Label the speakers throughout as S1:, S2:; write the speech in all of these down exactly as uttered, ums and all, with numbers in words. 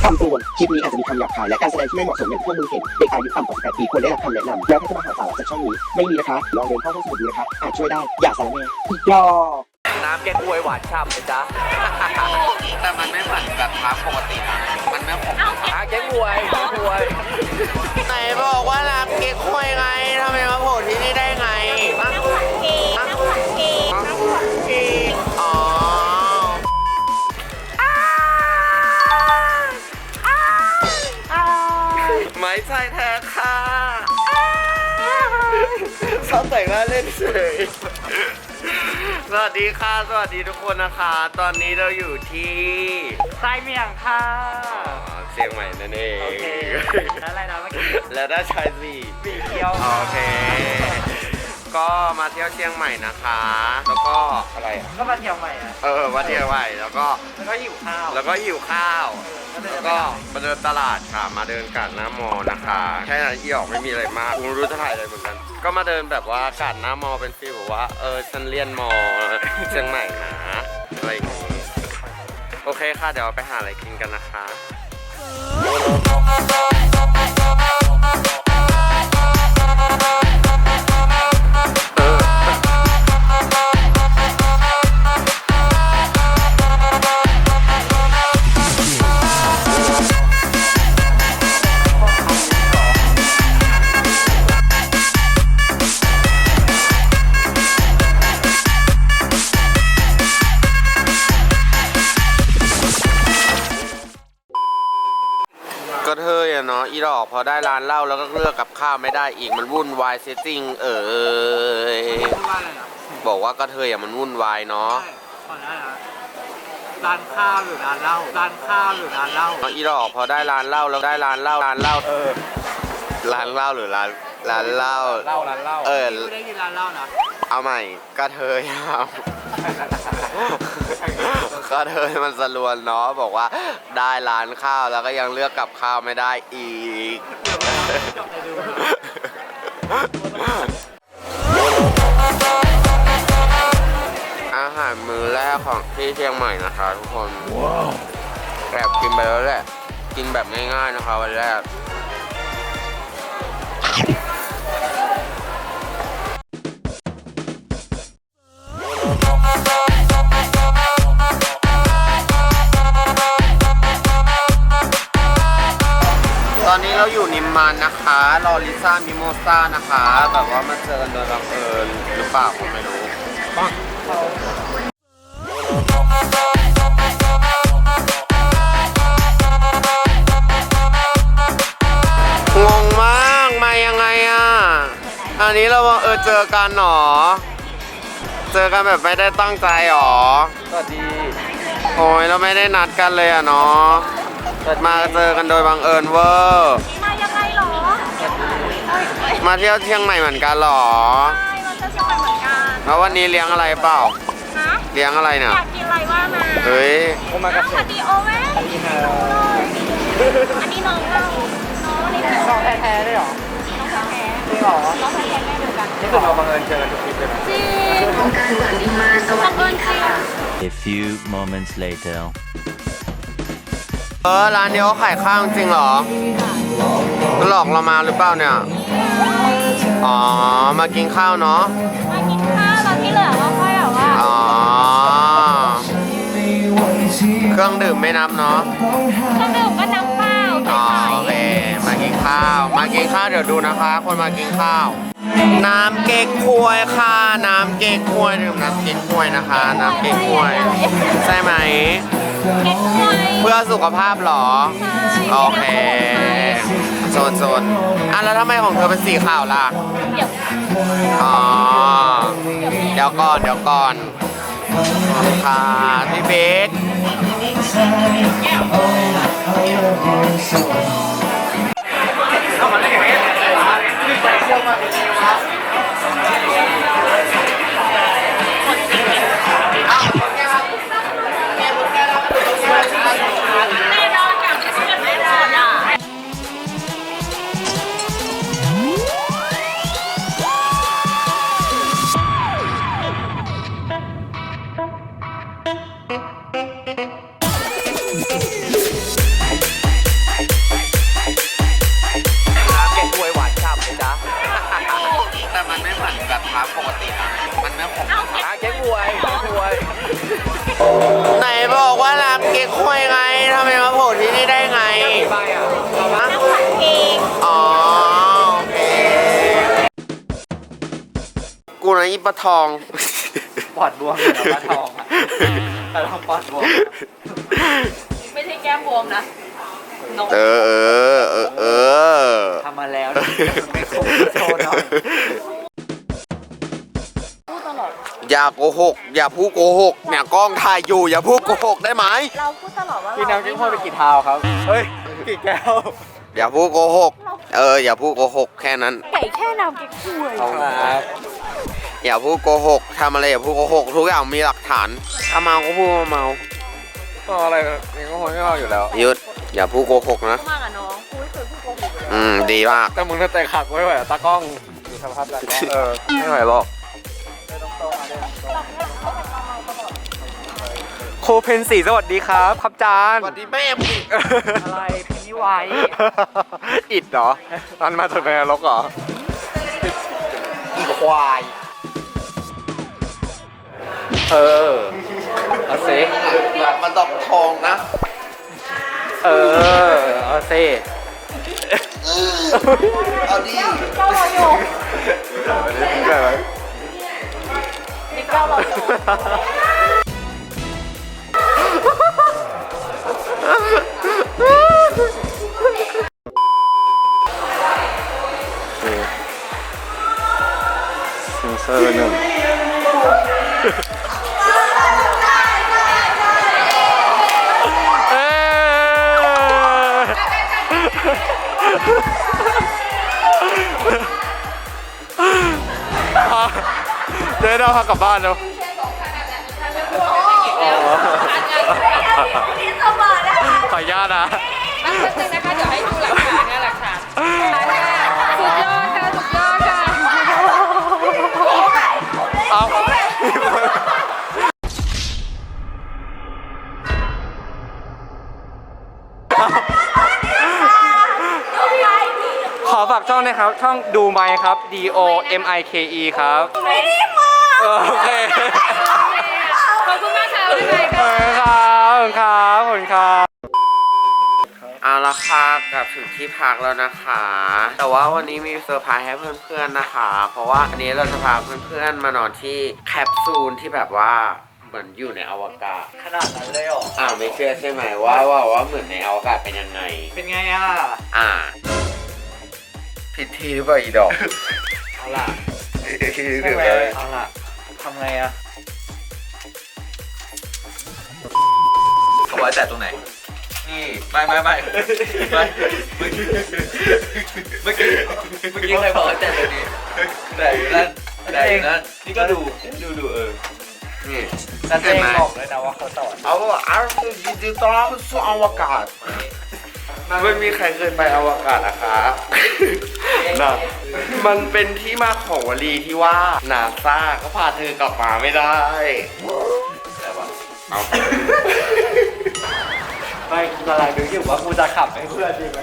S1: คำเตือนคลิปนี้อาจจะมีคำหยาบคายและการแสดงที่ไม่เหมาะสมอย่างที่พวกมึงเห็นเด็กอายุต่ำกว่าสิบแปดปีควรได้รับคำแนะนำแล้วถ้าจะมาหาสาระจากช่องนี้ไม่มีนะคะลองเดินเข้าห้องสมุดดูนะคะอาจช่วยได้อย่าสารแน่อีกดอก
S2: น้ำแกงกวยหวานฉ่ำเลยจ้ะแต่มันไม่เหมือนแบบน้ำปกตินะมันไม่ขมอ่ะแกงกวยแกงกวยไหนบอกว่าน้ำแกงกวยไงทำไมมาโผล่ที่นี่ได้ไงน้ำผักกีน้ำผักกีน้ำผักกีอ๋อไม่ใช่แท้ค่ะชอบแต่งหน้าเล่นเฉยสวัสดีค่ะสวัสดีทุกคนนะคะตอนนี้เราอยู่ที่
S3: ไส้เมี่ยงค่ะ
S2: เชียงใหม่นั่นเอง
S3: โอเคแล้วอะไรนะเมื่อกี้
S2: แล้วได้ชายสี่
S3: สีเขียว
S2: โอเคก็มาเที่ยวเชียงใหม่นะคะแล้วก็อะไร
S3: ก็มาเที่ยวใหม่อ่ะ
S2: เออมาเที่ยวใหม่แล้วก็
S3: แล้วก็หิวข้าว
S2: แล้วก็หิวข้าวแล้วก็มาเดินตลาดค่ะมาเดินกาดหน้ามอนะคะแค่นั้นที่ออกไม่มีอะไรมากกูรู้จะถ่ายอะไรเหมือนกันก็มาเดินแบบว่ากาดหน้ามอเป็นฟีลแบบว่าเออฉันเรียนมอเชียงใหม่นะอะไรอย่างงี้โอเคค่ะเดี๋ยวไปหาอะไรกินกันนะคะก็เธออะเนาะอีดอกพอได้ร้านเหล้าแล้วก็เลือกกับข้าวไม่ได้อีกมันวุ่นวายเซตติ้งเออบอกว่าก็เธออะมันวุ่นวายเนาะ
S3: ขอได้นะร้านข้าวหรือร้านเหล้าร้านข้าวหรือร้านเหล้า
S2: อีดอกพอได้ร้านเหล้าแล้วได้ร้านเหล้าร้านเหล้าเออร้านเหล้าหรือร้านร้านเหล้า
S3: เหล้าร้านเหล้า
S2: เออ
S3: ไม่ได้กินร้านเหล้านะ
S2: เอาใหม่ก็เธอครับก็เธอมันสลวนเนาะบอกว่าได้ร้านข้าวแล้วก็ยังเลือกกับข้าวไม่ได้อีกอาหารมื้อแรกของที่เชียงใหม่นะคะทุกคนแอบกินไปแล้วแหละกินแบบง่ายๆนะคะวันแรกตอนนี้เราอยู่นิมมานนะคะรอลิซ่ามิโมซ่านะคะแบบว่ามาเจอกันโดยบังเอิญหรือเปล่าผมไม่รู้งงมากมายังไงอ่ะอันนี้เราเออเจอกันหรอเจอกันแบบไม่ได้ตั้งใจหรอ
S3: สวัสดี
S2: โอ้ยเราไม่ได้นัดกันเลยอ่ะเนาะมาเจอกันโดยบังเอิญเวอร์
S4: มายังไงหรอ
S2: มาเที่ยวเชียงใหม่เหมือนกันหรอ
S4: ใช่มาเที่ยวเชียงใหม่เหมือนกัน
S2: แล้ววันนี้เลี้ยงอะไรเปล่า
S4: ฮะ
S2: เลี้ยงอะไรเนี่ย
S4: อยากกินอะไรว่ามา
S2: เฮ้ย
S4: โอมากาเสะดีโอแม่อันนี้น้องเราน้องนี่
S3: น้องแท้ๆได้หรอ
S4: น้องแท้
S3: จริงหรอ
S4: น้องแท้แม่เดียวกัน
S3: นี่คือเราบังเอิญเจอกันทุกคลิปเลย
S4: จริงบังเอิญจริง
S5: A few moments later
S2: เออร้านนี้เขาขายข้าวจริงเหรอหลอกเรามาหรือเปล่าเนี่ยอ๋อมากินข้าวเนาะ
S4: มากินข้าวแล้วที่เหลือก็ค่อยแบบว่า
S2: อ๋อเครื่องดื่มไม่นับเนาะ
S4: เครื่องดื่มก็น้ำเปล่า
S2: อ๋อโอเคมากินข้าวมากินข้าวเดี๋ยวดูนะคะคนมากินข้าวน้ำเก๊กฮวยค่ะน้ำเก๊กฮวยดื่มน้ำเก๊กฮวยนะคะน้ำเก๊กฮวยใช่ไหม
S4: เก๊กฮวย
S2: เพื่อสุขภาพหรอโอเคโซนโซนอ่ะแล้วทำไมของเธอเป็นสีขาวล่ะ
S4: เดี๋ยว
S2: อ๋อเดี๋ยวก่อนเดี๋ยวก่อนค่ะพี่เบคไหนบอกว่าร้านเก๊กฮวยไงทำไมมาโผล่ที่นี่ได้ไง
S3: ใบอ่ะเรามา
S4: น้ำผักเอง
S2: อ๋อโอเคกูนะอีปะทอง
S3: ปอดบวมเหรอปลาทองอ่ะปลาทองปอดบวม
S4: ไม่ใช่แก้มบวมนะนก
S2: เออเออเออเออ
S3: ทำมาแล้วไม่คงโชว์หน่อย
S4: พูดตลอด
S2: อย่าโกหก อย่าพูดโกหกเนี่ยกล้องถ่ายอยู่อย่าพูดโกหกได้ไหม
S4: เราพูดตลอดว่า
S3: พี่
S4: เรา
S3: น้ำจิ้มพ่อไปกี่เท้าครับ เฮ้ยกี่แก้ว
S2: อย่าพูดโกหก เอออย่าพูดโกหกแค่นั้น
S4: ไก่แค่น้ำเก๊กฮวย
S3: เอาครับ
S2: อย่าพูดโกหกทำอะไรอย่าพูดโกหกทุกอย่างมีหลักฐานถ้าเมาก็พูดว่าเมา
S3: ก็อะไรนี่ก็คงไม่เอาอยู่แล้ว
S2: หยุดอย่าพูดโกหกนะ
S4: มากอะน้องกูไม่เคยพูดโกหกเลย
S2: อืมดีมาก
S3: แต่มึงถ้าแต่ขักไว้ไหวตากล้องดูสภาพตากล้องเออไม่ไหวหรอกโคเพนสีสวัสดีครับครับจาน
S2: สวัสดีแม่มึง
S3: อะไรเพนนี่ไวอิดเหรอมันมาจากในนรกเหรอ
S2: อีควาย
S3: เออเอาซิ
S2: แบบมันดอกทองนะ
S3: เออเอาซิ
S2: เอาดิ
S4: เก้าเราอยู่มีเก้าเราอยู่
S3: เซนเซอร์หนึ่งเอ้ยเดี๋ยวเราพากลับบ้านเนาะ
S4: ที่สมองนะคะ
S3: ขออนุญาตนะ
S4: แป๊บนึงนะคะเดี๋ยวให้ดูหลักฐานนะหลักฐานสุดยอดค่ะสุดยอดค่ะ
S3: เอาขอฝากช่องนะครับ ช่องดูไมค์ครับ D O M I K E ครับ
S4: ไม่ได้มา
S3: โอเค
S4: ขอบคุณมากค่ะบ๊ายบาย
S3: ขอบคุณครับขอบคุณครับขอบคุณครับ
S2: เอาละค่ะกลับถึงที่พักแล้วนะคะ แต่ว่าวันนี้มีเซอร์ไพรส์ให้เพื่อนๆนะคะ เพราะว่าอันนี้เราจะพาเพื่อนๆมานอนที่แคปซูลที่แบบว่าเหมือนอยู่ในอวกาศ
S3: ขนาดนั้นเลยเหรอ
S2: อ่าไม่เชื่อใช่ไหมว่าว่าว่าเหมือนในอวกาศเป็นยังไง
S3: เป็นไงอ่ะ
S2: อ่าผิดที่หรือเปล่าอีดอก
S3: เอาล่ะ
S2: ผิดที่หรือ
S3: ใช่ไหม
S2: เปล่า
S3: เอาล่ะทำไงอ่ะ
S6: เขาไว้แต่ตรงไหน นี่ ไม่ไม่ไม่ไม่เมื่อกี้เมื่อกี้เมื่อกี้ใครบอกให้แต่ตรงนี้แต่อยู่นั่นแต่อยู่นั่นนี่ก็ดูดูดูเออ
S2: นี่
S3: แต่เอ
S2: ใช่
S3: ง
S2: ไหม
S3: บอกเลยนะว่าเขาสอน
S2: เอาว่าอาร์ตยินดีต้อนรับสู่อวกาศไม่มีใครเคยไปอวกาศนะคะนะมันเป็นที่มาของวลีที่ว่านาซาก็พาเธอกลับมาไม่ได้แต่ว่าเอา
S3: ไม่กูกำลังดูอยู่ว่ากูจะขับให้เพื่อนดีไหม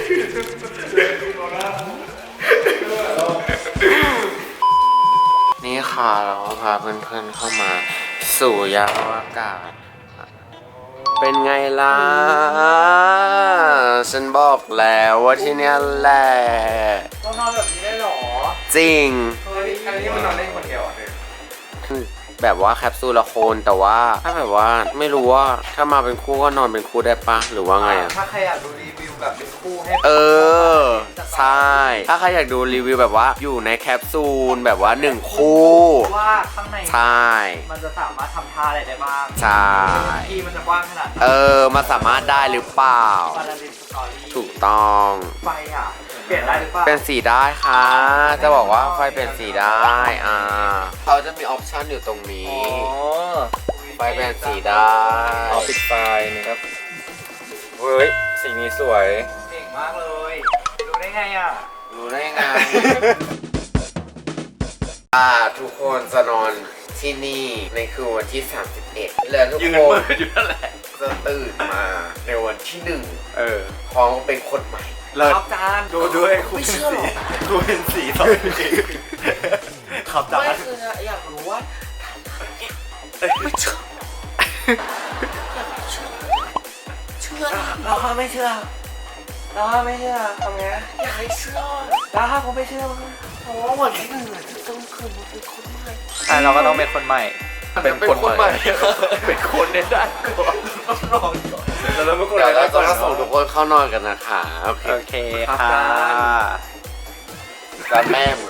S2: นี่ค่ะเราก็พาเพื่อนๆเข้ามาสู่ยานอวกาศ เป็นไงล่ะ ฉันบอกแล้วว่าที่เนี้ยแหละ
S3: ต้องนอนแบบนี้ได้หรอ
S2: จริง
S3: เฮ้ยอันนี้มันนอนได้คนเดียวอ่ะเนี่ย
S2: แบบว่าแคปซูลละโคนแต่ว่าถ้าแบบว่าไม่รู้ว่าถ้ามาเป็นคู่ก็นอนเป็นคู่ได้ปะหรือว่าไงอะ
S3: ถ้าใครอยากดูรีวิวแบบเป็นคู่ให้
S2: เออใช่ ถ้าใครอยากดูรีวิวแบบว่าอยู่ในแคปซูลแบบว่าหนึ่งคู่
S3: ว่าข้างใน
S2: ใช่
S3: มันจะสามารถทำท่าอะไรได้บ้าง
S2: ใช่
S3: ที่มันจะกว้างขนาดไหน
S2: เออมาสามารถได้หรือเปล่า
S3: บาลาลินสตอรี่
S2: ถูกต้อง
S3: ไฟอ่ะ เปลี่ยนได้หรือเปล่า
S2: เป็นสีได้ค่ะ จะบอกว่าไฟเป็นสีได้ อ่าเขาจะมีออปชั่นอยู่ตรงนี้ ไฟเป็นสีได้
S3: เอาปิดไฟนะครับเฮ้ย สีนี้สวยเก่งมากเลย ดูได้ไงอ่ะ
S2: รู้ได้ไง อ่าทุกคนจะนอนที่นี่ในคืนวันที่ สามสิบเอ็ด แล้วทุก
S6: ยืน
S2: ค
S6: มื
S2: น
S6: ออยู่นั่นแหละ
S2: จะตื่นมาในวันที่หนึ่ง
S3: เออ
S2: พร้อมเป็นคนใหม่
S3: ครับจานดูด้วยคุณเป็นสีดูเป็นสีตอนนี้ขับจาน
S2: ไม่คืออยากรู้ว่า
S3: เอ
S6: ไม่เชื่อเชื่อเราไม่เชื่อเราไม่เชื่อทำไงอยากให้เชื่อเราผมไม่เชื่อโอ้วันที่หนึ่งจะต้องคืนเป็นคนใหม่อ่ะเราก็ต้องเป็นคนใหม่เป็นคนใหม่เป็นคนในด้านก่อนต้องนอนก่อนแล้วเราไม่คน
S2: เดี๋ยว
S6: แล้
S2: เรา
S6: วก่อน
S2: จะส่งทุกคนเข้านอนกันนะคะโอเค
S3: โอเคค่ะ
S2: การแม่มึง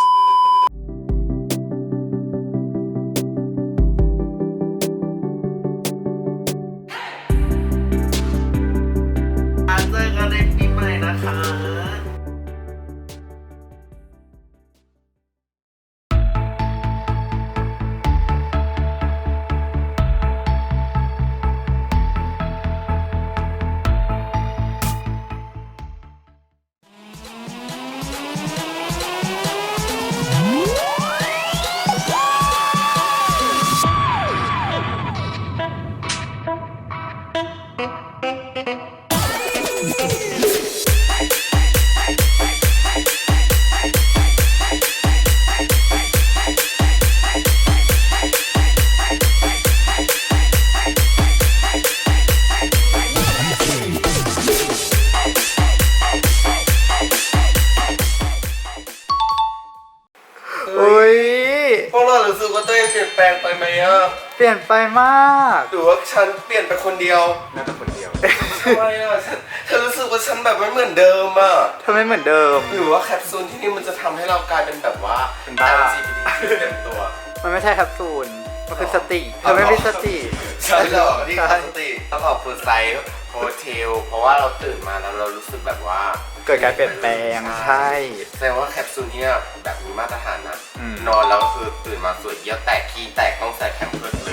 S2: เจอกันในปีใหม่นะคะ
S3: อุ้ย
S2: พวกเรารู้สึกว่าตัวเองเปลี่ยนแปลงไปไหมอ่ะ
S3: เปลี่ยนไปมาก
S2: หรือว่าฉันเปลี่ยนไปคนเดียวน่าจะคนเดียวทำไมอ่ะฉันฉันรู้สึกว่าฉันแบบไม่เหมือนเดิมอ่ะ
S3: ทำไมเหมือนเดิม
S2: หรือว่าแคปซูลที่นี่มันจะทำให้เรากลายเป็นแบบว่า
S3: เป็นบ้า
S2: แอล จี บี ที คิว เต็มตัว
S3: มันไม่ใช่แคปซูลมันคือสติเธอไม่มีสติ
S2: ใช่เหรอที่ขาดสติต้องขอบคุณไซส์โฮเทลเพราะว่าเราตื่นมาแล้วเรารู้สึกแบบว่า
S3: เกิดการเปลี่ยนแปลงใช่
S2: แสดงว่าแคปซูลเนี่ยแบบมีมาตรฐานนะ
S3: อืม
S2: นอนแล้วก็คือตื่นมาสวยเยี่ยวแตกขี้แตกต้องใส่แคมเพิร์สเลย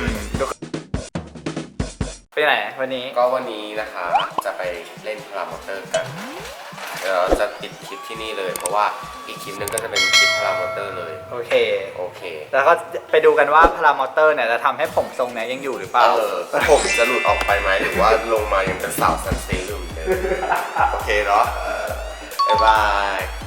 S3: ไปไหนวันนี้
S2: ก็วันนี้นะคะจะไปเล่นพารามอเตอร์กันเดี๋ยวเราจะปิดคลิปที่นี่เลย เพราะว่าอีกคลิปนึงก็จะเป็นคลิปพารามอเตอร์เลย
S3: โอเค
S2: โอเค
S3: แล้วก็ไปดูกันว่าพารามอเตอร์เนี่ยจะทำให้ผมทรงเนี้ยยังอยู่หรือเปล่า
S2: เออผมจะหลุดออกไปไหมหรือว่าลงมายังเป็นสาวซันเซอร์อยู่เหมือนเดิมโอเคเนาะเออบ๊ายบาย